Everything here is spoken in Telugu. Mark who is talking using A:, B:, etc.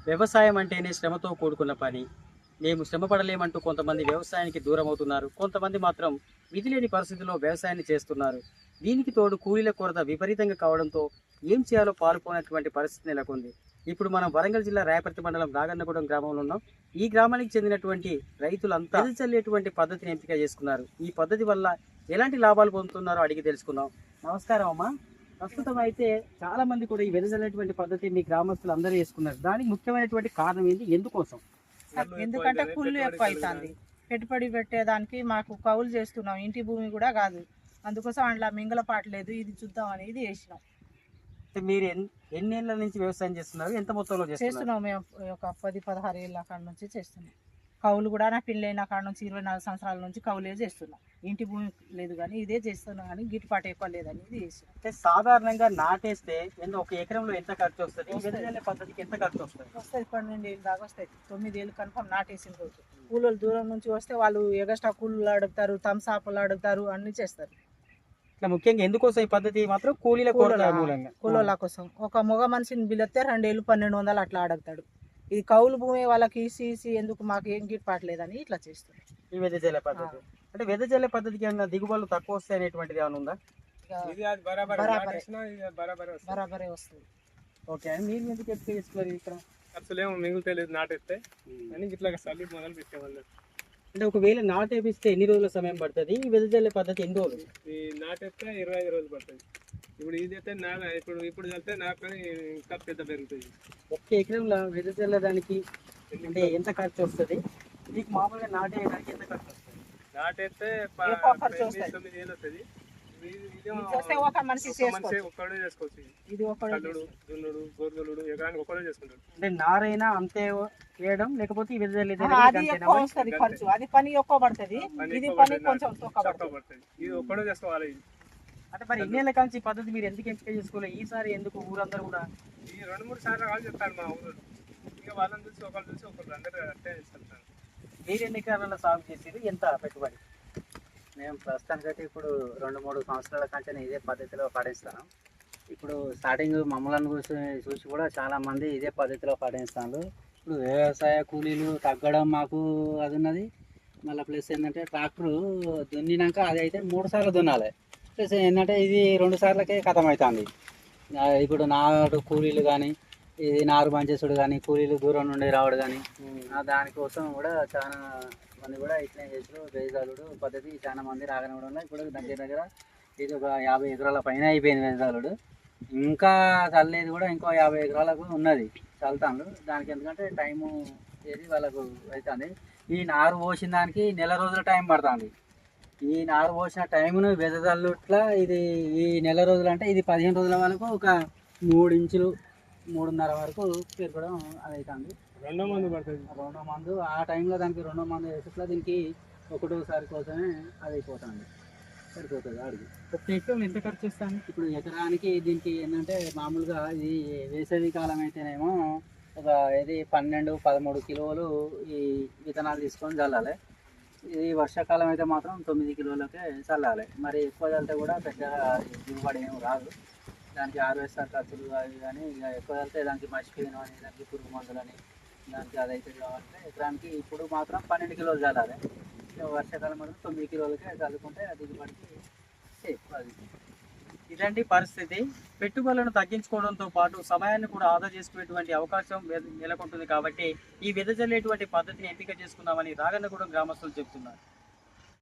A: వ్యవసాయం అంటేనే శ్రమతో కూడుకున్న పని. మేము శ్రమ పడలేమంటూ కొంతమంది వ్యవసాయానికి దూరం అవుతున్నారు. కొంతమంది మాత్రం విధి లేని పరిస్థితుల్లో వ్యవసాయాన్ని చేస్తున్నారు. దీనికి తోడు కూలీల కొరత విపరీతంగా కావడంతో ఏం చేయాలో పాలుపోనటువంటి పరిస్థితి నెలకొంది. ఇప్పుడు మనం వరంగల్ జిల్లా రాయపర్తి మండలం రాగన్నగూడెం గ్రామంలో ఉన్నాం. ఈ గ్రామానికి చెందినటువంటి రైతులంతా వెదజల్లేటువంటి చల్లేటువంటి పద్ధతిని ఎంపిక చేసుకున్నారు. ఈ పద్ధతి వల్ల ఎలాంటి లాభాలు పొందుతున్నారో అడిగి తెలుసుకుందాం. నమస్కారం అమ్మా. ప్రస్తుతం అయితే చాలా మంది కూడా ఈ వెదజల్లేటువంటి పద్ధతి మీ గ్రామస్తులు అందరూ చేసుకున్నారు. దానికి ముఖ్యమైనటువంటి కారణం ఏంటి, ఎందుకోసం?
B: ఎందుకంటే కుళ్ళు ఎక్కువ అవుతుంది. పెట్టుబడి పెట్టేదానికి మాకు కౌలు చేస్తున్నాం, ఇంటి భూమి కూడా కాదు. అందుకోసం అందులో మింగలపాటు లేదు. ఇది చూద్దాం అనేది వేసినాం.
A: మీరు ఎన్నేళ్ల నుంచి వ్యవసాయం చేస్తున్నారు, ఎంత మొత్తంలో
B: చేస్తున్నాం? మేము ఒక 10-16 ఏళ్ళ కాడ నుంచి చేస్తున్నాం. కౌలు కూడా నా పిల్లైన కాడ నుంచి 24 సంవత్సరాల నుంచి కౌలే చేస్తున్నాం. ఇంటి భూమి లేదు కానీ ఇదే చేస్తున్నాం, కానీ గిట్టుబాటు ఎక్కువ లేదని ఇది చేసినాం.
A: అంటే సాధారణంగా నాటేస్తే ఒక ఎకరంలో ఎంత ఖర్చు వస్తుంది, వెదజల్లే పద్ధతికి ఎంత ఖర్చు వస్తుంది?
B: 12 ఏళ్ళు దాకా వస్తాయి. 9 ఏళ్ళు కన్ఫర్మ్ నాటేసిన రోజు. కూలీలు దూరం నుంచి వస్తే వాళ్ళు ఎగస్ట్రా కూలీలు అడుగుతారు, థమ్సాప్లు అడుగుతారు, అన్ని చేస్తారు.
A: ఇట్లా ముఖ్యంగా ఎందుకోసం ఈ పద్ధతి మాత్రం కూలీల మూలంగా,
B: కూలీల కోసం. ఒక మగ మనిషిని బిల్లితే 2 ఏళ్ళు 1200 అట్లా అడుగుతాడు. ఇది కౌలు భూమి వాళ్ళకి ఈసీ ఎందుకు మాకు ఏం గిట్టుబాట్లేదని ఇట్లా చేస్తారు
A: ఈ వెదజల్లే పద్ధతి. అంటే వెదజల్లే పద్ధతికి ఏమన్నా దిగుబడులు తక్కువ వస్తాయి అనేటువంటిది ఏమైనా ఉందా?
B: బరాబరే వస్తుంది.
A: ఓకే, అని మీరు ఎందుకు ఎక్కువ చేసుకున్నారు ఇక్కడ?
C: అసలేమో మిగులుతలేదు నాటేస్తే అని ఇట్లా చల్లి మొదలు పెట్టేవాళ్ళు.
A: అంటే ఒకవేళ నాటేపిస్తే ఎన్ని రోజుల సమయం పడుతుంది? ఈ వెదజల్లే పద్ధతి ఎన్ని రోజులు?
C: ఈ నాటేస్తే 25 రోజులు పడుతుంది. ఇప్పుడు ఇది అయితే ఇప్పుడు చల్లితే నాకు ఇంకా పెద్ద పెరుగుతుంది.
A: ఒక్క ఎకరంలో వెదజల్లడానికి అంటే ఎంత ఖర్చు వస్తుంది? మీకు మామూలుగా నాటేయడానికి ఎంత ఖర్చు వస్తుంది?
C: నాటేస్తే
B: ఎక్కువ ఖర్చు వస్తుంది.
C: 9 ఏళ్ళు వస్తుంది.
B: ఒక మనిషి
C: ఒక్కడే చేసుకోవచ్చు.
B: ఇది
C: కల్లుడు, దున్నుడు, గొర్రెలుడు ఎకరానికి ఒక్కడే చేసుకుంటాడు.
A: అంటే నారైనా అంతే వేయడం, లేకపోతే ఈ వెదజల్లే
B: అది ఎక్కువ వస్తుంది ఖర్చు. అది పని ఎక్కువ పడుతుంది, ఇది పని కొంచెం తక్కువ
C: పడుతుంది. ఇది ఒక్కడే చేసుకోవాలి.
A: అంటే మరి ఇన్నేళ్ళ కాంచి ఈ పద్ధతి మీరు ఎందుకు ఎంపిక చేసుకోలేదు? ఈసారి ఎందుకు ఊరందరూ కూడా
C: ఈ 2-3 సార్లు కాదు చెప్తాను మా ఊరు. ఇక వాళ్ళని చూసి ఒకళ్ళు అందరూ అట్టే చేస్తాను.
A: మీరు ఎన్ని ఎకరాలలో సాగు చేసేది, ఎంత పెట్టుబడి?
D: మేము ప్రస్తుతానికైతే ఇప్పుడు 2-3 సంవత్సరాల కంటే ఇదే పద్ధతిలో పాటిస్తాను. ఇప్పుడు స్టార్టింగ్ మమ్మల్ని చూసి కూడా చాలామంది ఇదే పద్ధతిలో పాటిస్తాను. ఇప్పుడు వ్యవసాయ కూలీలు తగ్గడం మాకు అది ఉన్నది. మళ్ళీ ప్లస్ ఏంటంటే ట్రాక్టరు దున్నినాక అది అయితే 3 సార్లు దున్నాలి. ప్లస్ ఏంటంటే ఇది 2 సార్లకే ఖతం అవుతుంది. ఇప్పుడు నాటు కూలీలు కానీ, ఇది నారు మంచేసుడు కానీ, కూలీలు దూరం నుండి రావడం కానీ, దానికోసం కూడా చాలా మంది కూడా ఇట్లే చేసారు. వేజాలుడు పద్ధతి చాలా మంది రాగనవడంలో ఇప్పుడు దగ్గర ఇది ఒక 50 ఎకరాల పైన అయిపోయింది వేజాలుడు. ఇంకా చల్లేది కూడా ఇంకో 50 ఎకరాలకు ఉన్నది చల్తాను. దానికి ఎందుకంటే టైము ఏది వాళ్ళకు అవుతుంది. ఈ నారు పోసిన దానికి నెల రోజుల టైం పడుతుంది. ఈ నారు పోసిన టైమును వెదజల్లుట్లా ఇది ఈ నెల రోజులు అంటే ఇది 15 రోజుల వరకు ఒక 3 ఇంచులు 3.5 వరకు పెరగడం అది అవుతుంది.
C: రెండో మందు పడుతుంది.
D: రెండో మందు ఆ టైంలో దానికి రెండో మందు వేసేట్లా దీనికి ఒకటోసారి కోసమే అది అయిపోతుంది, సరిపోతుంది అడిగి.
A: ఒక ఎకరం ఎంత ఖర్చు వస్తాను?
D: ఇప్పుడు ఎకరానికి దీనికి ఏంటంటే మామూలుగా ఇది వేసవి కాలం అయితేనేమో ఒక ఇది 12-13 కిలోలు ఈ విత్తనాలు తీసుకొని చల్లాలి. ఇది వర్షాకాలం అయితే మాత్రం 9 కిలోలకే చల్లాలి. మరి ఎక్కువ చల్లితే కూడా పెద్దగా దిగుబడి ఏమి రాదు. దానికి హార్వెస్టర్ ఖర్చులు అవి కానీ ఇక ఎక్కువ చల్లితే దానికి మసిపోయిన అని, దానికి పురుగు మందులని, దానికి అదైతే కావాలంటే ఎకరానికి ఇప్పుడు మాత్రం 12 కిలోలు చల్లాలి. వర్షాకాలం మాత్రం 9 కిలోలకే చల్లుకుంటే దిగుబడికి సేఫ్. అది
A: ఇలాంటి పరిస్థితి పెట్టుబడులను తగ్గించుకోవడంతో పాటు సమయాన్ని కూడా ఆదా చేసుకునేటువంటి అవకాశం నెలకొంటుంది. కాబట్టి ఈ వెదజల్లేటువంటి పద్ధతిని ఎంపిక చేసుకుందామని రాగన్నగూడెం గ్రామస్తులు చెబుతున్నారు.